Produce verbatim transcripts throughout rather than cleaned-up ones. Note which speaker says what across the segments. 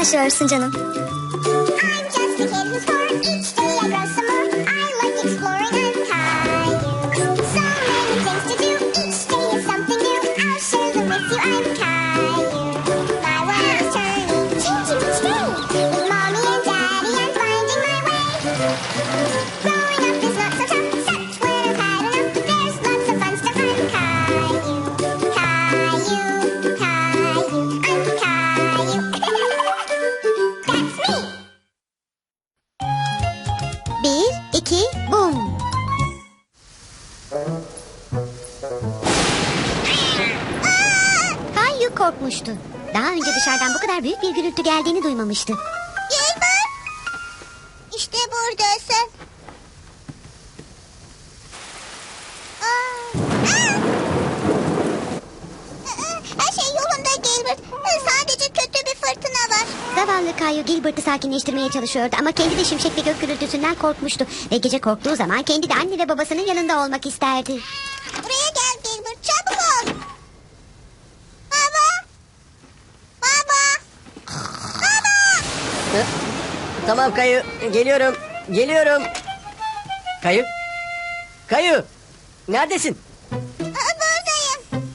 Speaker 1: başlıyorsun canım?
Speaker 2: I'm just a kid who's four. Each day I grow some more. I like exploring. I'm Caillou. So many things to do. Each day is something new. I'll share them with you. I'm Caillou. My world is turning, changing each day. With mommy and daddy, I'm finding my way. Growing up is not so tough, except when I've had enough. There's lots of fun stuff. I'm Caillou. Caillou. Caillou. I'm Caillou. That's me.
Speaker 3: Bir, iki, bum. Kayu korkmuştu. Daha önce dışarıdan bu kadar büyük bir gürültü geldiğini duymamıştı.
Speaker 2: Gilbert. İşte buradasın. Aa, aa. Her şey yolunda Gilbert. Sadece kötü bir fırtına var.
Speaker 3: Zavallı Kayu Gilbert'ı sakinleştirmeye çalışıyordu ama kendi de şimşek ve gök gürültüsünden korkmuştu. Ve gece korktuğu zaman kendi de anne ve babasının yanında olmak isterdi.
Speaker 2: Buraya gel Gilbert, çabuk ol. Baba. Baba. Baba.
Speaker 4: Hı? Tamam Kayu, geliyorum, geliyorum. Kayu, Kayu, neredesin?
Speaker 2: Aa, buradayım.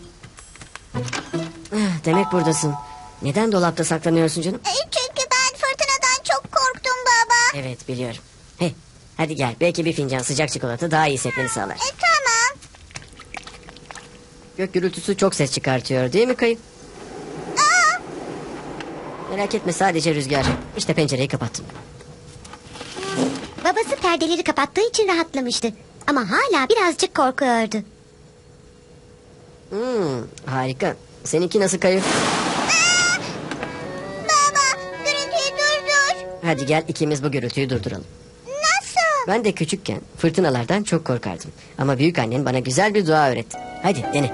Speaker 4: Ah, Demek buradasın. Neden dolapta saklanıyorsun canım?
Speaker 2: E, Çünkü ben fırtınadan çok korktum baba.
Speaker 4: Evet, biliyorum. Hey, hadi gel, belki bir fincan sıcak çikolata daha iyi hissetmeni sağlar.
Speaker 2: E, tamam.
Speaker 4: Gök gürültüsü çok ses çıkartıyor, değil mi Kayu?
Speaker 2: Aa,
Speaker 4: Merak etme, sadece rüzgar. İşte pencereyi kapattım.
Speaker 3: Babası perdeleri kapattığı için rahatlamıştı. Ama hala birazcık korkuyordu.
Speaker 4: Hmm, harika. Seninki nasıl Kayu?
Speaker 2: baba, gürültüyü durdur.
Speaker 4: Hadi gel, ikimiz bu gürültüyü durduralım.
Speaker 2: Nasıl?
Speaker 4: Ben de küçükken fırtınalardan çok korkardım. Ama büyük annen bana güzel bir dua öğretti. Hadi dene.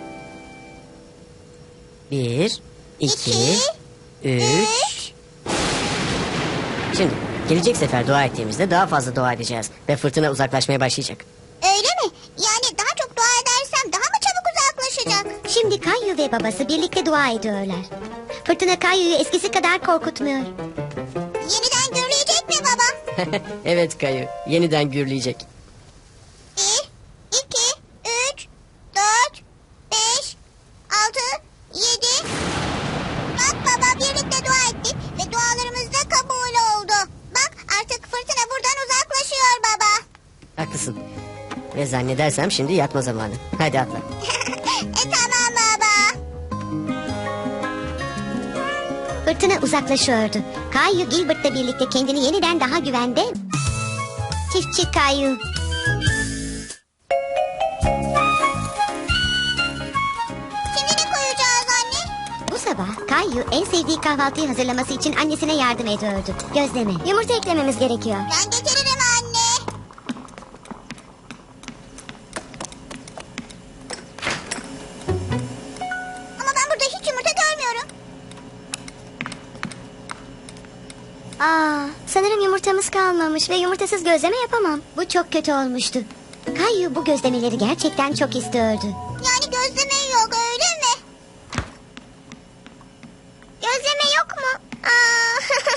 Speaker 4: Bir, iki,
Speaker 2: İki,
Speaker 4: üç. Şimdi gelecek sefer dua ettiğimizde daha fazla dua edeceğiz. Ve fırtına uzaklaşmaya başlayacak.
Speaker 2: Öyle mi? Yani daha çok dua edersem daha mı çabuk uzaklaşacak?
Speaker 3: Şimdi Kayu ve babası birlikte dua ediyorlar. Fırtına Kayu'yu eskisi kadar korkutmuyor.
Speaker 2: Yeniden gürleyecek mi baba?
Speaker 4: Evet Kayu, yeniden gürleyecek.
Speaker 2: Bir, iki, üç, dört, beş, altı, yedi. Bak baba, birlikte dua ettik ve dualarımız da kabul oldu. Bak, artık fırtına buradan uzaklaşıyor baba.
Speaker 4: Haklısın. Ve zannedersem şimdi yatma zamanı. Hadi atla.
Speaker 2: e tamam baba.
Speaker 3: Fırtına uzaklaşıyordu. Kayu Gilbert'la birlikte kendini yeniden daha güvende. Çiftçi Kayu.
Speaker 2: Şimdi ne koyacağız anne?
Speaker 3: Bu sabah Kayu en sevdiği kahvaltıyı hazırlaması için annesine yardım ediyordu. Gözleme. Yumurta eklememiz gerekiyor.
Speaker 2: Ben getiririm anne. Ama ben burada hiç yumurta görmüyorum.
Speaker 3: Aa, sanırım yumurtamız kalmamış ve yumurtasız gözleme yapamam. Bu çok kötü olmuştu. Kayu bu gözlemeleri gerçekten çok istiyordu.
Speaker 2: Yani gözleme yok, öyle mi? Gözleme yok mu? Aa.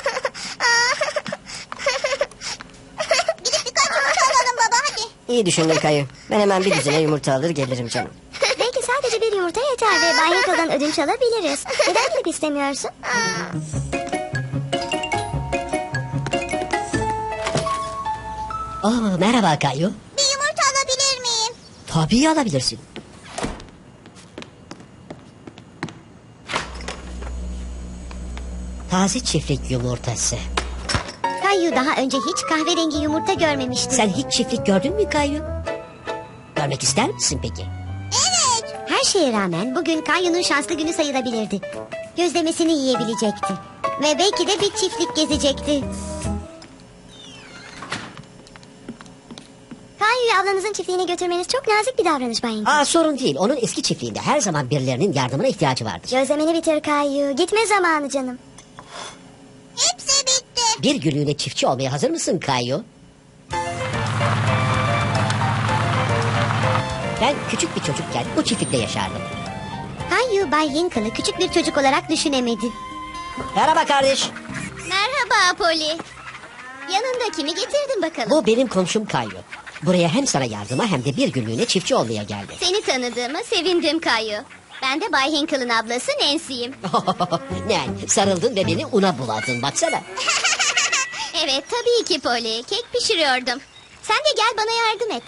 Speaker 2: Gidip birkaç yumurta alalım baba, hadi.
Speaker 4: İyi düşündün Kayu. Ben hemen bir düzine yumurta alır gelirim canım.
Speaker 3: Belki sadece bir yumurta yeter ve Bay Hinkle'dan ödünç alabiliriz. Neden gidip istemiyorsun?
Speaker 4: Oh, merhaba Kayu.
Speaker 2: Bir yumurta alabilir miyim?
Speaker 4: Tabii alabilirsin. Taze çiftlik yumurtası.
Speaker 3: Kayu daha önce hiç kahverengi yumurta görmemişti.
Speaker 4: Sen hiç çiftlik gördün mü Kayu? Görmek ister misin peki?
Speaker 2: Evet.
Speaker 3: Her şeye rağmen bugün Kayu'nun şanslı günü sayılabilirdi. Gözlemesini yiyebilecekti. Ve belki de bir çiftlik gezecekti. Kayu'yu ablanızın çiftliğine götürmeniz çok nazik bir davranış Bay Hinkle.
Speaker 5: Aa, sorun değil. Onun eski çiftliğinde her zaman birilerinin yardımına ihtiyacı vardır.
Speaker 3: Gözlemeni bitir Kayu. Gitme zamanı canım.
Speaker 2: Hepsi bitti.
Speaker 5: Bir günlüğüne çiftçi olmaya hazır mısın Kayu? Ben küçük bir çocukken bu çiftlikte yaşardım.
Speaker 3: Kayu Bay Hinkle'ı küçük bir çocuk olarak düşünemedi.
Speaker 5: Merhaba kardeş.
Speaker 3: Merhaba Polly. Yanında kimi getirdin bakalım?
Speaker 5: Bu benim komşum Kayu. Buraya hem sana yardıma hem de bir günlüğüne çiftçi olmaya geldi.
Speaker 3: Seni tanıdığıma sevindim Kayu. Ben de Bay Hinkle'ın ablası Nancy'yim.
Speaker 5: Ne? Sarıldın ve beni una buladın baksana.
Speaker 3: Evet tabii ki Polly. Kek pişiriyordum. Sen de gel bana yardım et.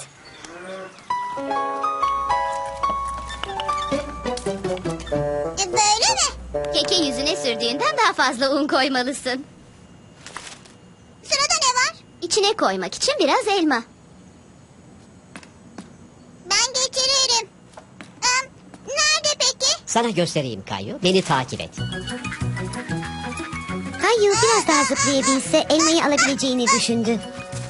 Speaker 2: E, Böyle mi?
Speaker 3: Keke yüzüne sürdüğünden daha fazla un koymalısın.
Speaker 2: Sırada ne var?
Speaker 3: İçine koymak için biraz elma.
Speaker 2: Ben getiririm. Em, nerede peki?
Speaker 5: Sana göstereyim Kayu. Beni takip et.
Speaker 3: Kayu biraz daha zıplayabilse elmayı alabileceğini düşündü.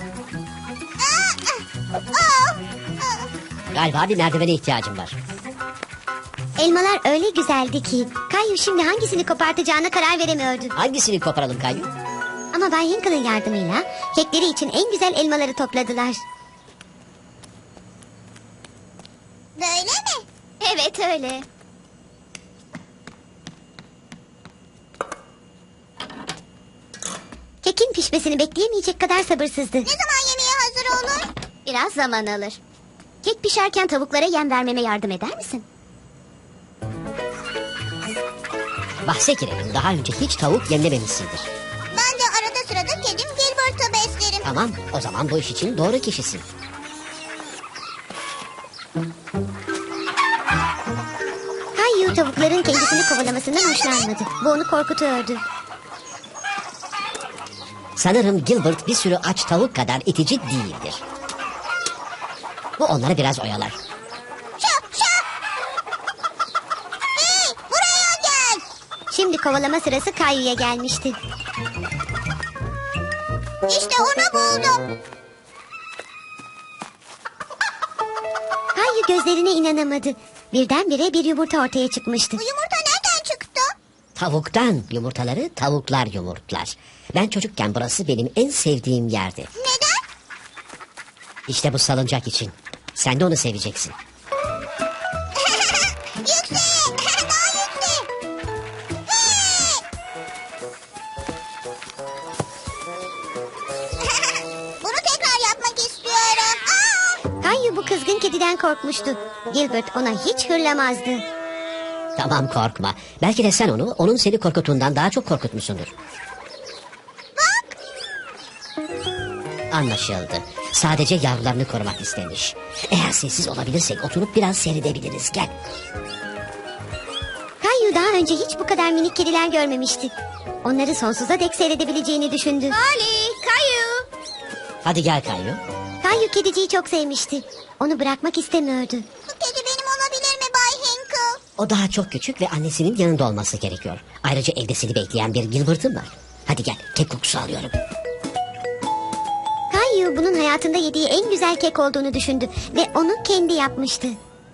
Speaker 2: Aa, aa, aa.
Speaker 5: Galiba bir merdivene ihtiyacım var.
Speaker 3: Elmalar öyle güzeldi ki Kayu şimdi hangisini kopartacağına karar veremiyordu.
Speaker 5: Hangisini koparalım Kayu?
Speaker 3: Ama Bay Hinkle'ın yardımıyla kekleri için en güzel elmaları topladılar.
Speaker 2: Böyle mi?
Speaker 3: Evet öyle. Kekin pişmesini bekleyemeyecek kadar sabırsızdı.
Speaker 2: Ne zaman yemeğe hazır olur?
Speaker 3: Biraz zaman alır. Kek pişerken tavuklara yem vermeme yardım eder misin?
Speaker 5: Bahse girelim. Daha önce hiç tavuk yemlememişsindir.
Speaker 2: Ben de arada sırada kedim Gilbert'ı beslerim.
Speaker 5: Tamam. O zaman bu iş için doğru kişisin.
Speaker 3: Kayu tavukların kendisini kovalamasından hoşlanmadı. Bu onu korkutuyordu.
Speaker 5: Sanırım Gilbert bir sürü aç tavuk kadar itici değildir. Bu onları biraz oyalar.
Speaker 2: Şap şap. Hey, buraya gel.
Speaker 3: Şimdi kovalama sırası Kayu'ya gelmişti.
Speaker 2: İşte onu buldum.
Speaker 3: Kayu gözlerine inanamadı. Birdenbire bir yumurta ortaya çıkmıştı.
Speaker 2: Bu yumurta nereden çıktı?
Speaker 5: Tavuktan yumurtaları tavuklar yumurtlar. Ben çocukken burası benim en sevdiğim yerdi.
Speaker 2: Neden?
Speaker 5: İşte bu salıncak için. Sen de onu seveceksin.
Speaker 2: Yüksek. Daha yüksek. Hey. Bunu tekrar yapmak istiyorum. Aa!
Speaker 3: Kayu bu kızgın kediden korkmuştu. Gilbert ona hiç hırlamazdı.
Speaker 5: Tamam korkma. Belki de sen onu onun seni korkuttuğundan daha çok korkutmuşsundur.
Speaker 2: Bak.
Speaker 5: Anlaşıldı. Sadece yavrularını korumak istemiş. Eğer sessiz olabilirsek oturup biraz seyredebiliriz. Gel.
Speaker 3: Kayu daha önce hiç bu kadar minik kediler görmemişti. Onları sonsuza dek seyredebileceğini düşündü.
Speaker 2: Ali, Kayu.
Speaker 5: Hadi gel Kayu.
Speaker 3: Kayu kediciyi çok sevmişti. Onu bırakmak istemiyordu.
Speaker 2: Bu kedi benim olabilir mi Bay Hinkle?
Speaker 5: O daha çok küçük ve annesinin yanında olması gerekiyor. Ayrıca evde seni bekleyen bir Gilbert'ın var. Hadi gel, kek kokusu alıyorum.
Speaker 3: Kayu bunun hayatında yediği en güzel kek olduğunu düşündü ve onu kendi yapmıştı.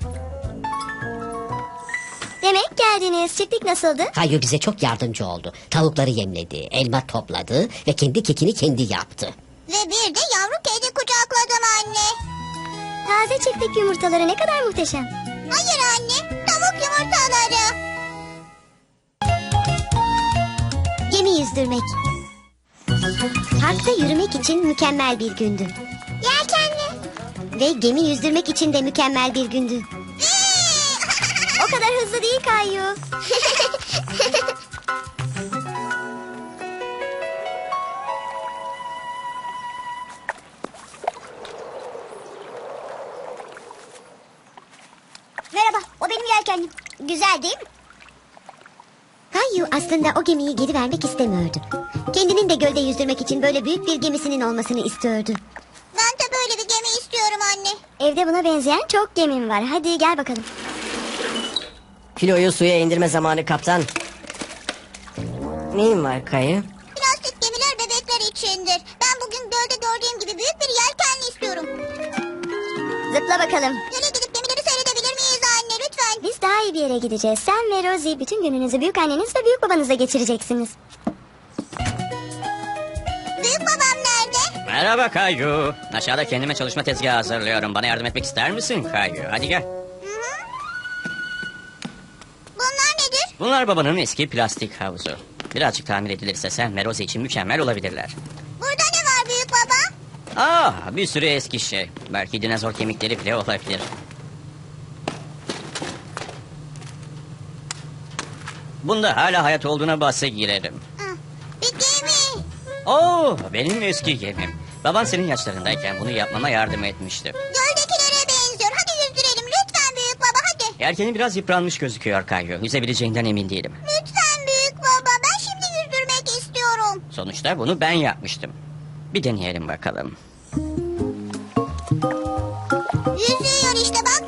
Speaker 3: Demek geldiniz. Çiftlik nasıldı?
Speaker 5: Kayu bize çok yardımcı oldu. Tavukları yemledi, elma topladı ve kendi kekini kendi yaptı.
Speaker 2: Ve bir de yavru kedi kucakladım anne.
Speaker 3: Taze çiftlik yumurtaları ne kadar muhteşem.
Speaker 2: Hayır anne, tavuk yumurtaları.
Speaker 3: Gemi yüzdürmek. Parkta yürümek için mükemmel bir gündü.
Speaker 2: Yelkenli.
Speaker 3: Ve gemi yüzdürmek için de mükemmel bir gündü. O kadar hızlı değil Kayu.
Speaker 2: Merhaba, o benim yelkenlim. Güzel değil mi?
Speaker 3: Kayu aslında o gemiyi geri vermek istemiyordu. Kendinin de gölde yüzdürmek için böyle büyük bir gemisinin olmasını istiyordu.
Speaker 2: Ben de böyle bir gemi istiyorum anne.
Speaker 3: Evde buna benzeyen çok gemim var. Hadi gel bakalım.
Speaker 4: Filoyu suya indirme zamanı kaptan. Neyin var Kayu?
Speaker 2: Plastik gemiler bebekler içindir. Ben bugün gölde gördüğüm gibi büyük bir yelkenli istiyorum.
Speaker 3: Zıpla bakalım.
Speaker 2: Göle gidip gemileri seyredebilir miyiz anne lütfen?
Speaker 3: Biz daha iyi bir yere gideceğiz. Sen ve Rosie bütün gününüzü büyük anneniz ve büyük babanızla geçireceksiniz.
Speaker 2: Büyük babam nerede?
Speaker 1: Merhaba Kayu. Aşağıda kendime çalışma tezgahı hazırlıyorum. Bana yardım etmek ister misin Kayu? Hadi gel.
Speaker 2: Bunlar nedir?
Speaker 1: Bunlar babanın eski plastik havuzu. Birazcık tamir edilirse sen ve Rosie için mükemmel olabilirler.
Speaker 2: Burada ne var büyük baba?
Speaker 1: Aa, bir sürü eski şey. Belki dinozor kemikleri bile olabilir. Bunda hala hayat olduğuna bahse girerim.
Speaker 2: Ah, bir gemi.
Speaker 1: Oo, benim eski gemim. Baban senin yaşlarındayken bunu yapmama yardım etmişti.
Speaker 2: Göldekilere benziyor. Hadi yüzdürelim lütfen büyük baba hadi.
Speaker 1: Yelkeni biraz yıpranmış gözüküyor Kayu. Yüzebileceğinden emin değilim.
Speaker 2: Lütfen büyük baba. Ben şimdi yüzdürmek istiyorum.
Speaker 1: Sonuçta bunu ben yapmıştım. Bir deneyelim bakalım.
Speaker 2: Yüzüyor işte bak.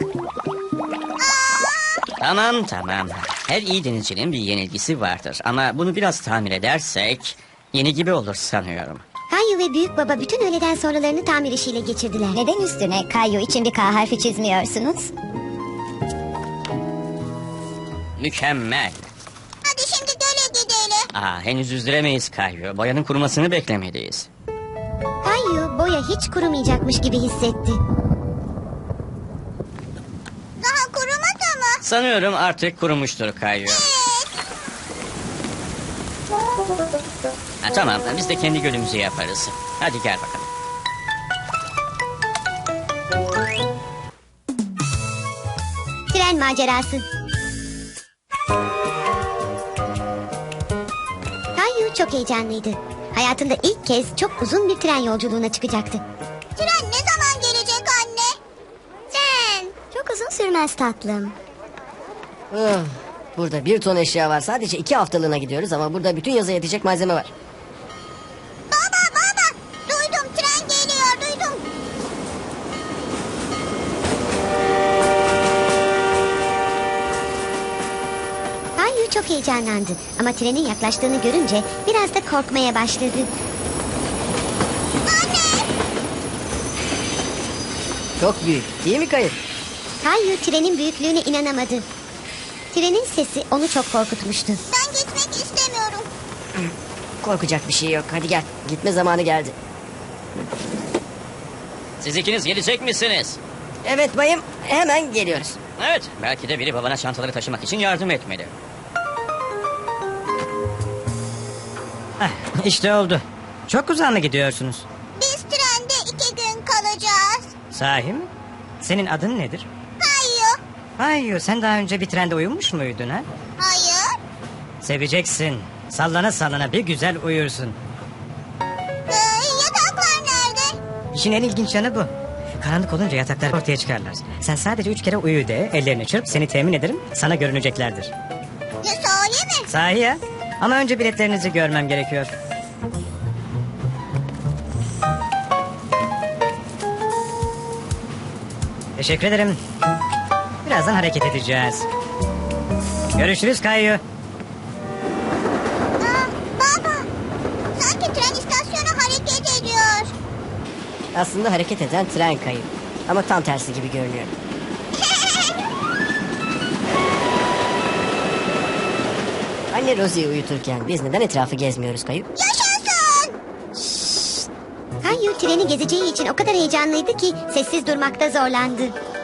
Speaker 2: Aa,
Speaker 1: Tamam tamam. Her iyi denizcinin bir yenilgisi vardır. Ama bunu biraz tamir edersek yeni gibi olur sanıyorum.
Speaker 3: Kayu ve büyük baba bütün öğleden sonralarını tamir işiyle geçirdiler.
Speaker 6: Neden üstüne Kayu için bir K harfi çizmiyorsunuz?
Speaker 1: Mükemmel.
Speaker 2: hadi şimdi göle gidelim.
Speaker 1: Aa, henüz yüzdüremeyiz Kayu. Boyanın kurumasını beklemeliyiz.
Speaker 3: Kayu boya hiç kurumayacakmış gibi hissetti.
Speaker 2: Daha kurumadı mı?
Speaker 1: Sanıyorum artık kurumuştur Kayu. Ha, tamam biz de kendi gölümüzü yaparız. Hadi gel bakalım.
Speaker 3: Tren macerası. Kayu çok heyecanlıydı. Hayatında ilk kez çok uzun bir tren yolculuğuna çıkacaktı.
Speaker 2: Tren ne zaman gelecek anne? Tren.
Speaker 3: Çok uzun sürmez tatlım.
Speaker 4: Ah, burada bir ton eşya var. Sadece iki haftalığına gidiyoruz ama burada bütün yaza yetecek malzeme var.
Speaker 2: Baba baba. Duydum tren geliyor duydum.
Speaker 3: Kayu çok heyecanlandı ama trenin yaklaştığını görünce biraz da korkmaya başladı.
Speaker 4: Çok büyük değil mi Kayı?
Speaker 3: Kayu trenin büyüklüğüne inanamadı. Trenin sesi onu çok korkutmuştu.
Speaker 2: Ben gitmek istemiyorum.
Speaker 4: Korkacak bir şey yok. Hadi gel. Gitme zamanı geldi.
Speaker 1: Siz ikiniz gelecek misiniz?
Speaker 4: Evet bayım. Hemen geliyoruz.
Speaker 1: Evet, belki de biri babana çantaları taşımak için yardım etmeli.
Speaker 7: İşte oldu. Çok uzağa mı gidiyorsunuz?
Speaker 2: Biz trende iki gün kalacağız.
Speaker 7: Sahi mi? Senin adın nedir?
Speaker 2: Kayu.
Speaker 7: Hayır, sen daha önce bir trende uyumuş muydun ha?
Speaker 2: Hayır.
Speaker 7: Seveceksin. Sallana sallana bir güzel uyursun.
Speaker 2: Ee, yataklar nerede?
Speaker 7: İşin en ilginç yanı bu. Karanlık olunca yataklar ortaya çıkarlar. Sen sadece üç kere uyu de, ellerini çırp, seni temin ederim, sana görüneceklerdir.
Speaker 2: Ya sahi mi?
Speaker 7: Sahi ya. Ama önce biletlerinizi görmem gerekiyor. Teşekkür ederim. Birazdan hareket edeceğiz. Görüşürüz Kayu.
Speaker 2: Aa, baba. Sanki tren istasyonu hareket ediyor.
Speaker 4: Aslında hareket eden tren Kayı. Ama tam tersi gibi görünüyor. Anne Rosie'yi uyuturken biz neden etrafı gezmiyoruz Kayı?
Speaker 2: Yaşasın.
Speaker 3: Kayu treni gezeceği için o kadar heyecanlıydı ki sessiz durmakta zorlandı.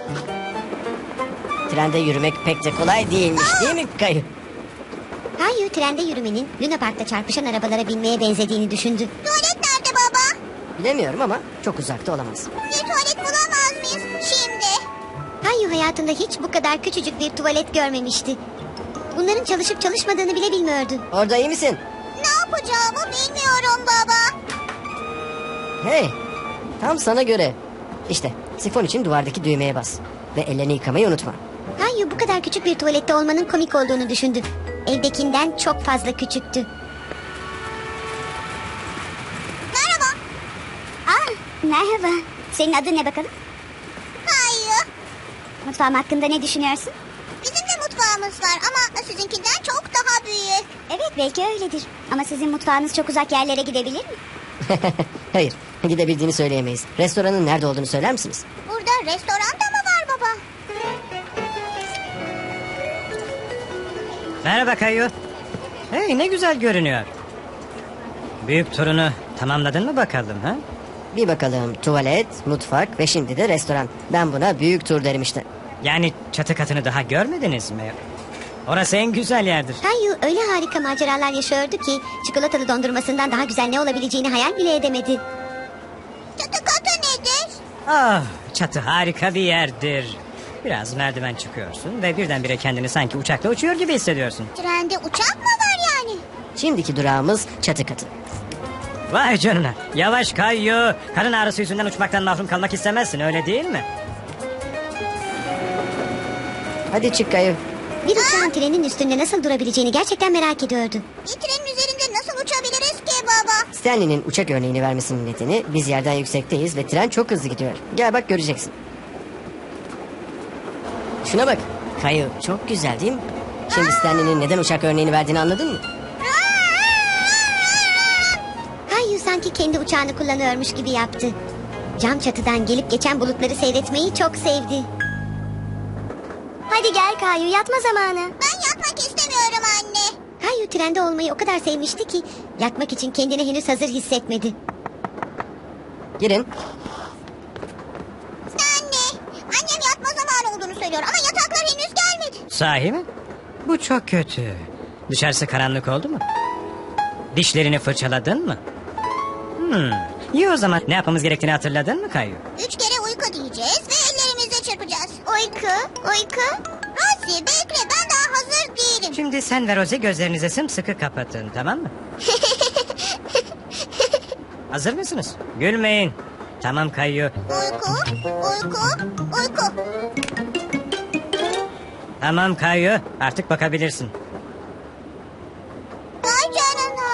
Speaker 4: Trende yürümek pek de kolay değilmiş değil mi Kayı?
Speaker 3: Kayu trende yürümenin Luna Park'ta çarpışan arabalara binmeye benzediğini düşündü.
Speaker 2: Tuvalet nerede baba?
Speaker 4: Bilemiyorum ama çok uzakta olamaz.
Speaker 2: Bir tuvalet bulamaz mıyız şimdi?
Speaker 3: Kayu hayatında hiç bu kadar küçücük bir tuvalet görmemişti. Bunların çalışıp çalışmadığını bile bilmiyordu.
Speaker 4: Orada iyi misin?
Speaker 2: Ne yapacağımı bilmiyorum baba.
Speaker 4: Hey, tam sana göre. İşte sifon için duvardaki düğmeye bas. Ve ellerini yıkamayı unutma.
Speaker 3: Kayu bu kadar küçük bir tuvalette olmanın komik olduğunu düşündü. Evdekinden çok fazla küçüktü.
Speaker 2: Merhaba.
Speaker 6: Aa, merhaba. Senin adın ne bakalım?
Speaker 2: Kayu.
Speaker 6: Mutfağım hakkında ne düşünüyorsun?
Speaker 2: Bizim de mutfağımız var ama sizinkinden çok daha büyük.
Speaker 6: Evet, belki öyledir. Ama sizin mutfağınız çok uzak yerlere gidebilir mi?
Speaker 4: Hayır, gidebildiğini söyleyemeyiz. Restoranın nerede olduğunu söyler misiniz?
Speaker 2: Burada restoran da mı var baba?
Speaker 7: Merhaba Kayu. Hey, ne güzel görünüyor. Büyük turunu tamamladın mı bakalım ha?
Speaker 4: Bir bakalım, tuvalet, mutfak ve şimdi de restoran. Ben buna büyük tur derim işte.
Speaker 7: Yani çatı katını daha görmediniz mi? Orası en güzel yerdir.
Speaker 3: Kayu öyle harika maceralar yaşıyordu ki çikolatalı dondurmasından daha güzel ne olabileceğini hayal bile edemedi.
Speaker 2: Çatı katı nedir?
Speaker 7: Ah, çatı harika bir yerdir. Biraz merdiven çıkıyorsun ve birdenbire kendini sanki uçakla uçuyor gibi hissediyorsun.
Speaker 2: Trende uçak mı var yani?
Speaker 4: Şimdiki durağımız çatı katı.
Speaker 7: Vay canına. Yavaş Kayu. Karın ağrısı yüzünden uçmaktan mahrum kalmak istemezsin, öyle değil mi?
Speaker 4: Hadi çık Kayu.
Speaker 3: Bir uçağın trenin üstünde nasıl durabileceğini gerçekten merak ediyordu.
Speaker 2: Bir trenin üzerinde nasıl uçabiliriz ki baba?
Speaker 4: Stanley'nin uçak örneğini vermesinin nedeni biz yerden yüksekteyiz ve tren çok hızlı gidiyor. Gel bak göreceksin. Şuna bak. Kayu çok güzel değil mi? Şimdi Stanley'nin neden uçak örneğini verdiğini anladın mı?
Speaker 3: Kayu sanki kendi uçağını kullanıyormuş gibi yaptı. Cam çatıdan gelip geçen bulutları seyretmeyi çok sevdi. Hadi gel Kayu, yatma zamanı.
Speaker 2: Ben yatmak istemiyorum anne.
Speaker 3: Kayu trende olmayı o kadar sevmişti ki yatmak için kendini henüz hazır hissetmedi.
Speaker 4: Girin.
Speaker 2: Anne, annem yatma zamanı olduğunu söylüyor ama yataklar henüz gelmedi.
Speaker 7: Sahi mi? Bu çok kötü. Dışarısı karanlık oldu mu? Dişlerini fırçaladın mı? Hmm. İyi o zaman ne yapmamız gerektiğini hatırladın mı Kayu?
Speaker 2: Üç kere uyku diyeceğiz ve ellerimizle çırpacağız. Uyku, uyku. Rosie bekle, ben daha hazır değilim.
Speaker 7: Şimdi sen ve Rosie gözlerinizi sımsıkı kapatın, tamam mı? Hazır mısınız? Gülmeyin. Tamam Kayu.
Speaker 2: Uyku, uyku, uyku.
Speaker 7: Tamam Kayu. Artık bakabilirsin.
Speaker 2: Vay canına.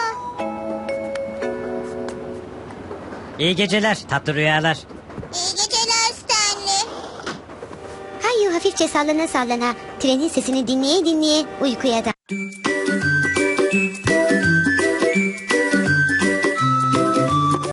Speaker 7: İyi geceler, tatlı rüyalar.
Speaker 2: İyi geceler Stanley.
Speaker 3: Kayu hafifçe sallana sallana trenin sesini dinleye dinleye uykuya daldı.